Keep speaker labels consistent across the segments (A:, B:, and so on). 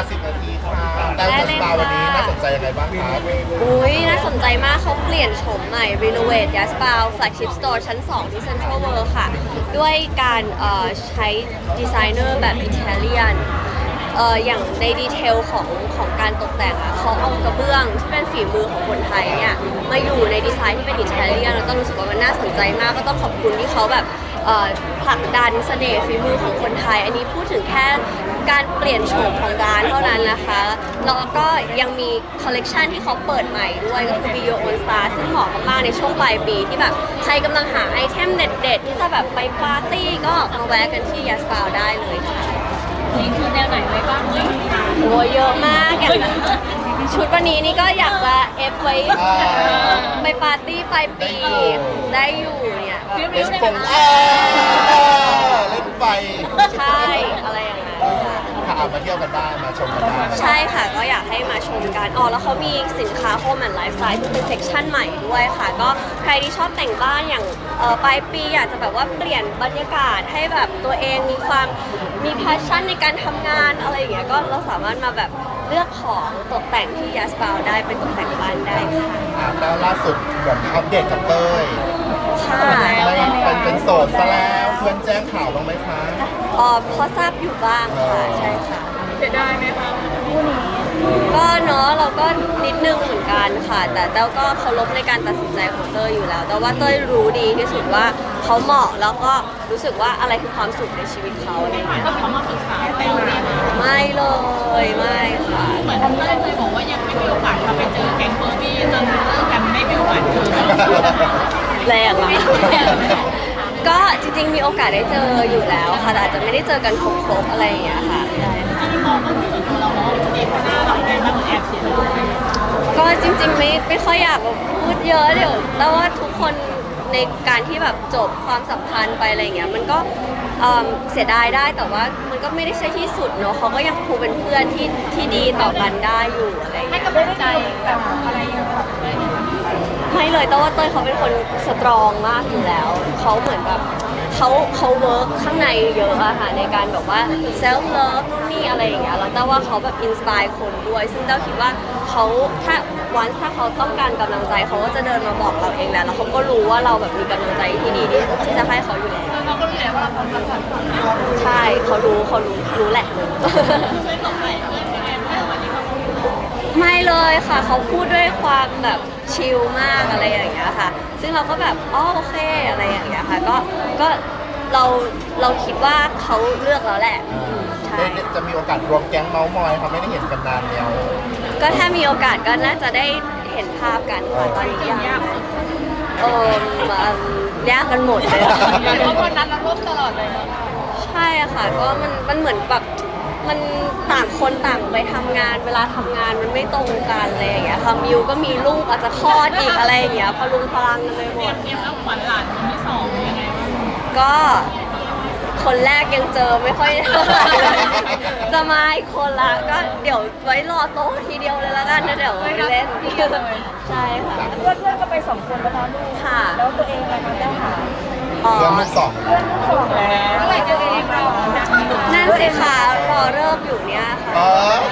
A: 10 นาทีค่ะแต่จัสตาวันนี้น่าสนใจยังไงบ้างครับ
B: อุ้ยน่าสนใจมากเขาเปลี่ยนโฉมใหม่ Renovate y a s p a l Flagship Store ชั้น 2 ที่ Central World ค่ะ ด้วยการใช้ดีไซเนอร์แบบอิตาเลียนอย่างในดีเทลของการตกแต่งเขาเอากระเบื้องที่เป็นฝีมือของคนไทยเนี่ยมาอยู่ในดีไซน์ที่เป็นอิตาเลียนแล้วก็รู้สึกว่ามันน่าสนใจมากก็ต้องขอบคุณที่เขาแบบผลักดันเสน่ห์ฝีมือของคนไทยอันนี้พูดถึงแค่การเปลี่ยนโฉมของร้านเท่านั้นนะคะแล้วก็ยังมีคอลเลกชันที่เขาเปิดใหม่ด้วยก็คือ Be Your Own Star ซึ่งเหมาะมากๆในช่วงปลายปีที่แบบใครกำลังหาไอเทมเด็ดๆที่จะแบบไปปาร์ตี้ก็มาแวะกันที่ Yaspal ได้เลยค่ะ
C: นี่คือแนวไหนไว้บ้างเฮ้ย
B: โอ้เยอะมากอย่างชุดวันนี้นี่ก็อยากจะเอฟไว้ไปปาร์ตี้ปลายปีได้อยู่เนี่ย
A: เล่นฟงเล่นไฟ
B: ใช่อะไรอย่างนั้น
A: ค่ะมาเที่ยวกันได้มาชมกันได้
B: ใช่ค่ะก็อยากให้มาชมกันแล้วเขามีสินค้า Home and Lifestyle ที่เป็นเซกชันใหม่ด้วยค่ะก็ใครที่ชอบแต่งบ้านอย่างปลายปีอยากจะแบบว่าเปลี่ยนบรรยากาศให้แบบตัวเองมีแพชชั่นในการทำงานอะไรอย่างเงี้ยก็เราสามารถมาแบบเลือกของตกแต่งที่ Yaspal ได้เป็นตกแต่งบ้านได้ค่ะ
A: แล้วล่าสุดแบบอัปเดตกับเต้ย
B: ค่ะ
A: เป็นโสดซะแล้วเพื่อนแจ้งข่าวบ้างไหมคะ
B: พอทราบอยู่บ้างค่ะใช่ค่ะ
C: เสียดายไหมคะคู่นี้
B: ก็เนาะเราก็นิดนึงเหมือนกันค่ะแต่เต้าก็เคารพในการตัดสินใจของเต้ยอยู่แล้วแต่ว่าเต้ยรู้ดีที่สุดว่าเขาเหมาะแล้วก็รู้สึกว่าอะไรคือความสุขในชีวิตเขาอะไรเงี้ย
C: ก็เขามาปรึกษาเต้ยไหม
B: ไม่เลยไม่ค่ะ
C: เหมือนเต้ยเคยบอกว่ายังไม่มีโอกาสไปเจอแก๊งเบอร์บี้จนเลิกกันไม่มีโอกาสเจอ
B: แรงอ่ะก็จริงๆมีโอกาสได้เจออยู่แล้วค่ะแต่อาจจะไม่ได้เจอกันครบๆอะไรอย่างเงี้ยค่ะ
C: ที่มองก็คือตัวเราเนาะเด็กหน้าเราแดงมากเหมือนแอบเสีย
B: ก็จริงๆไม่ค่อยอยากพูดเยอะเดี๋ยวแต่ว่าทุกคนในการที่แบบจบความสัมพันธ์ไปอะไรเงี้ยมันก็เสียดายได้แต่ว่ามันก็ไม่ได้ใช่ที่สุดเนาะเขาก็ยังคงเป็นเพื่อนที่ดีต่อกันได้อยู่อะไร
C: ให้
B: เงี้ย
C: กำลังใจแบบอะไรอย่างเงี้ย
B: ไม่เลยแต่ว่าเต้ยเขาเป็นคนสตรองมากอยู่แล้วเขาเหมือนแบบเขาเวิร์กข้างในเยอะอะค่ะในการแบบว่าเซลฟ์เลิฟนู่นนี่อะไรอย่างเงี้ยแล้วแต่ว่าเขาแบบอินสปายคนด้วยซึ่งเต้าคิดว่าเขาถ้าเขาต้องการกำลังใจเขาก็จะเดินมาบอกเราเองแหละแล้วเขาก็รู้ว่าเราแบบมีกำลังใจที่ดีที่จะให้เขาอยู่แล้ว
C: เราก็รู้แล้วว่าเราทำ
B: ใช่เขารู้แหละ
C: ไม่ตกใจเพื่อนยังไงเมื่อวันนี้เขา
B: ไม่เลยค่ะเขาพูดด้วยความแบบชิลมากอะไรอย่างเงี้ยค่ะซึ่งเราก็แบบโอเคอะไรอย่างเงี้ยค่ะก็เราคิดว่าเขาเลือกแล้วแหละใช่
A: จะมีโอกาสรวมแก๊งเมาส์มอยเขาไม่ได้เห็นกันนานแล้ว
B: ก็ถ้ามีโอกาสก็น่าจะได้เห็นภาพกันค่ะตอนนี้ยากยากกันหมดเลย
C: เพราะวันนั้นเราร่วมตลอดเลย
B: ใช่ค่ะก็มันเหมือนแบบมันต่างคนต่างไปทำงานเวลาทำงานมันไม่ตรงกันอะไรอย่างเงี้ยค่ะมิวก็มีลูกอาจจะคลอดอีกอะไรอย่างเงี้ยพลุงพลังกันเลยหมด
C: เตรียมแล้วขวัญหลานคนที่สองยังไง
B: ก็คนแรกยังเจอไม่ค่อยจะมาอีกคนละก็เดี๋ยวไว้รอโต๊ะทีเดียวเลยละกันนะเดี๋ยวไปเล่นใช่ค่ะ
C: เพื่อนก็ไป2 คนแล้วนะลูก
B: ค่ะ
C: แล้วตัวเองอะไรคะได้ค่ะ
A: เพื่อนลูกสอง
C: แล้วเมื่อไหร่จะเรียนเรา
B: นั่นสิค่ะรอเริ่มอยู่เนี่ยค่ะ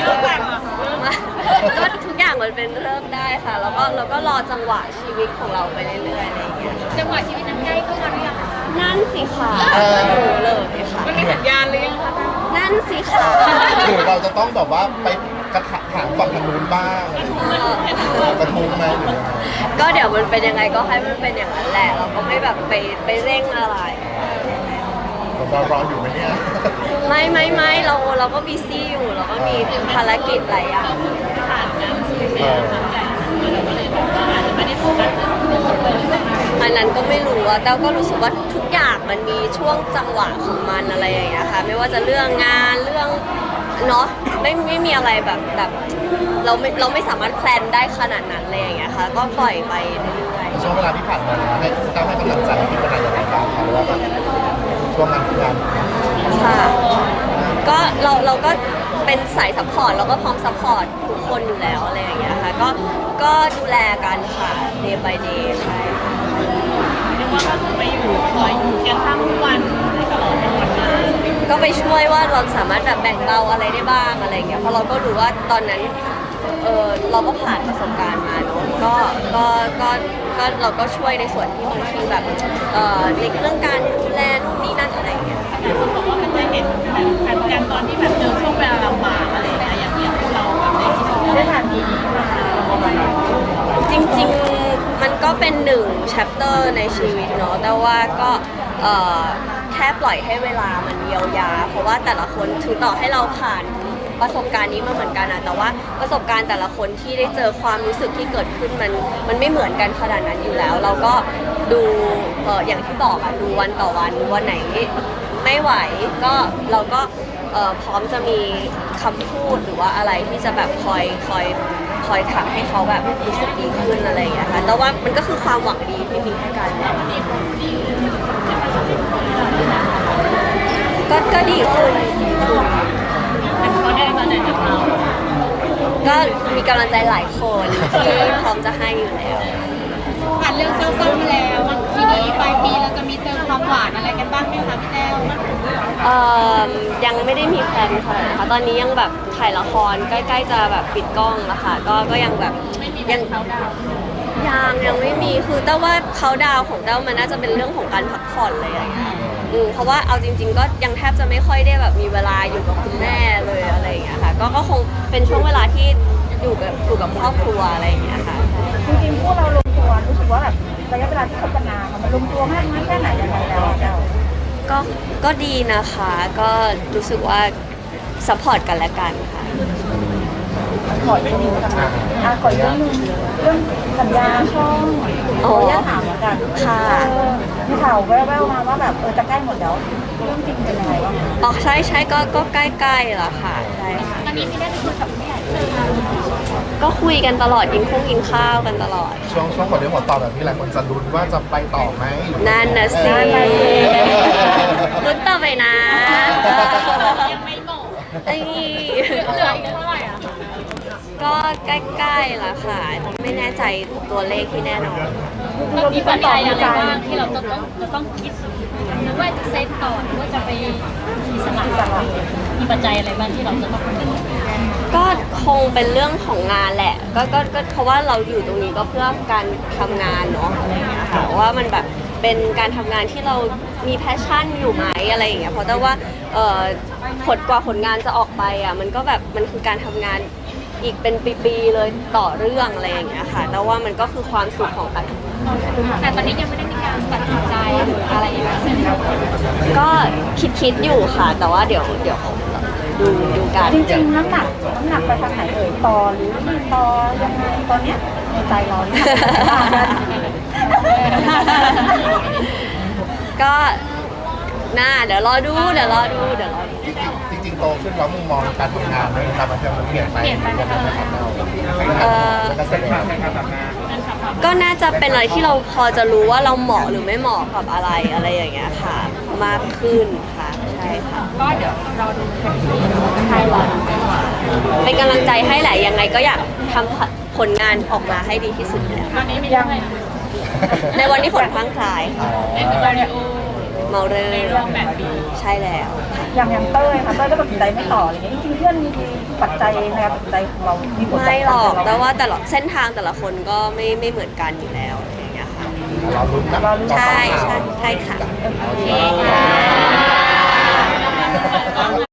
B: ก็ทุกอย่างมันเป็นเริ่มได้ค่ะแล้วก็เราก็รอจังหวะชีวิตของเราไปเรื่อยๆอะไรอย่างเงี้ย
C: จังหวะชีวิตนั้นใกล้เข้ามาหรือยังคะ
B: นั่นสิค่ะรู้เลยค่ะ
C: มันมีสัญญาณหรือยังคะ
B: นั่นสิค่ะ
A: หรือเราจะต้องแบบว่าไปกระถางฝั่งทางนู้นบ้างกระทุ้งไหมหรือ
B: ก็เดี๋ยวมันเป็นยังไงก็ให้มันเป็นอย่างนั้นแหละเราก็ไม่แบบไปเร่งอะไร
A: เรารออยู่ไหมเนี่ย
B: ไม่เราก็บีซี่อยู่เราก็มีภารกิจหลายอย่าง
C: ผ่านงานชีวิตทำใหญ่เราก็เลยบอกว่าอาจจะไม่ได้โฟกัส
B: อันนั้นก็ไม่รู้อะแต่ก็รู้สึกว่าทุกอย่างมันมีช่วงจังหวะของมันอะไรอย่างเงี้ยค่ะไม่ว่าจะเรื่องงานเรื่องเนาะไม่มีอะไรแบบเราไม่สามารถแพลนได้ขนาดนั้นเลยอย่างเงี้ยค่ะก็ปล่อยไปเรื่อย
A: ๆช่วงเวลาที่ผ่านมาให้กำลังใจที่เป็นอะไรอย่างไรบ้างคะว่าช่วงงาน
B: ค่ะก็เราก็เป็นสายซัพพอร์ตเราก็พร้อมซัพพอร์ตทุกคนอยู่แล้วอะไรอย่างเงี้ยค่ะก็ดูแลกันค่ะ day by day ใช่ค่ะ
C: เรียกว่าก็คือไปอยู่คอยอยู่เคียงข้างทุกวันตลอดทั้งวันเลย
B: ก็ไปช่วยว่าเราสามารถแบบแบ่งเบาอะไรได้บ้างอะไรเงี้ยเพราะเราก็รู้ว่าตอนนั้นเราก็ผ่านประสบการณ์มาเนาะก็เราก็ช่วยในส่วนที่บางทีแบบในเรื่องการดูแลนู่นนี่นั่นอะไรเงี้ย
C: แต่คนบอกว่ามันจะเห็นแบบกันตอนที่แบบเจอช่วงเวลาลำบากอะไรอย่างเงี้ยอย่างเงี้ยพวกเราแบบได้ผ่านทีนี้มา
B: จริงๆมันก็เป็นหนึ่ง chapter ในชีวิตเนาะแต่ว่าก็แค่ปล่อยให้เวลามันเยียวยาเพราะว่าแต่ละคนถึงต่อให้เราผ่านประสบการณ์นี้มาเหมือนกันอะแต่ว่าประสบการณ์แต่ละคนที่ได้เจอความรู้สึกที่เกิดขึ้นมันไม่เหมือนกันขนาดนั้นอยู่แล้ว เราก็ดูอย่างที่บอกอะดูวันต่อวันไหนไม่ไหวก็เราก็พร้อมจะมีคำพูดหรือว่าอะไรที่จะแบบคอยทำให้เขาแบบรู้สึกดีขึ้นอะไรอย่างเงี้ยค่ะแต่ว่ามันก็คือความหวังดีที่มีให้กันก็ดีขึ้น
C: เขาได้มาจากเรา
B: ก็มีกำลังใจหลายคนที่พร้อมจะให้อยู่แล้ว
C: ผ่านเรื่องเศร้าๆมาแล้วทีนี้ปลายปีเราจะมีเติมความหวานอะไรกันบ้างไหมคะพี่แต้ว
B: ยังไม่ได้มีแพลนค่ะนะคะตอนนี้ยังแบบถ่ายละครใกล้ๆจะแบบปิดกล้องแล้วค่ะก็ยังแบบยังยังไม่มีคือแต่ว่าเขาดาวของเต้ามันน่าจะเป็นเรื่องของการพักผ่อนเลยอย่างเงี้ยเพราะว่าเอาจริงๆก็ยังแทบจะไม่ค่อยได้แบบมีเวลาอยู่กับคุณแม่เลยอะไรอย่างเงี้ยค่ะก็คงเป็นช่วงเวลาที่อยู่กับครอบครัวอะไรอย่างเงี้ยค่ะ
D: จริงๆพวกเราลงตัวรู้สึกว่าแบบระยะเวลาที่คบกันนานมันลงตัวมากน้อยแค่ไหนยังไงแล้วอะแต้ว
B: ก็ดีนะคะก็รู้สึกว่าซัพพอร์ตกันและกันค่ะ
D: ขออีกเรื่องหนึงค่ะขออีกเรื่องหนึงเรื่องสัญญาช่องขออนุญาตถามเหมือนกัน
B: ค่ะ
D: มีข่าวแว่วๆมาว่าแบบจะใกล้หมดแล้วเรื่องจริงเป็นยังไงบ้าง
B: อ๋อใช่ก็ใกล้ๆแล้วค่ะใช่ค่ะ
C: ตอนนี้พี่ได้ไปคุยกับผู้ใหญ่
B: ก็คุยกันตลอดกินข้าวกันตลอด
A: ช่วงหัวเรื่องหัวต่อแบบนี้หลายคนจะลุ้นว่าจะไปต่อไหมหรือ
B: นั่นนะสิลุ้นต่อไปนะ
C: ยังไม่บอก
B: ไอ้
C: เหลืออีกเท่าไหร่อ่ะ
B: ก็ใกล้ๆแล้วค่ะ ไม่แน่ใจตัวเลขที่แน่นอน
C: เรามีปัจจัยอะไรบ้างที่เราต้องคิดหรือว่าจะเซ็ตต่อหรือว่าจะไปอิสระมีปัจจัยอะไรบ้างที่เราจะต้องคิด
B: ก็คงเป็นเรื่องของงานแหละก็เพราะว่าเราอยู่ตรงนี้ก็เพื่อการทำงานเนาะอะไรอย่างเงี้ยค่ะว่ามันแบบเป็นการทำงานที่เรามีแพชชั่นอยู่ไหมอะไรอย่างเงี้ยเพราะแต่ว่าผลงานจะออกไปอ่ะมันก็แบบมันคือการทำงานอีกเป็นปีๆเลยต่อเรื่องอะไรอย่างเงี้ยค่ะแต่ว่ามันก็คือความสุขของการทำงาน
C: แต่ตอนนี้ยังไม่ได้มีการตัดสินใจหรืออะไรอย่างเงี้ย
B: ก็คิดอยู่ค่ะ แต่ว่าเดี๋ยวดูกัน
D: จริงๆน้ำหนักไปทางไหนต่อหรือไม่ต่อยังไงตอนเนี้ยในใจเราเนี่ย
B: ก็เดี๋ยวรอดู
A: จริงๆโตขึ้นแล้วมุมมองการทำงานในวงการบันเทิงมันเปลี่ยนไปยังไงนะครับแล้วก็แสดง
B: ก็น่าจะเป็นอะไรที่เราพอจะรู้ว่าเราเหมาะหรือไม่เหมาะกับอะไรอย่างเงี้ยค่ะ มากขึ้นค่ะใช่ค่ะ
C: ก็เดี๋ยวเราดูกันที
B: ใช่รอดูเป็นกำลังใจให้แหละยังไงก็อยากทำผลงานออกมาให้ดีที่สุดอยู่แล้ว
C: ตอนนี้มีเรื่องอะไร
B: ในวันที่ฝนพรังพรายค่ะ
C: ได้คือวิดีโอ
B: เมาเรอ
C: ในเรื่องแบบนี้
B: ใช่แล้ว
D: อย่างเต้ยค่ะเต้ยก็ตัดสินใจไม่ต่ออะไรเงี้ยจริงๆเพื่อนมีปัจจัยในการตัดสินใจของเรามีผล
B: ไม่หรอก
D: บ
B: แต่ว่าแต่ละเส้นทางแต่ละคนก็ไม่เหมือนกันอยู่แล้วอย่างเงี้ยค่ะ
A: เราลุ้นนะ
B: ใช่ค่ะ
A: โอเคค่ะ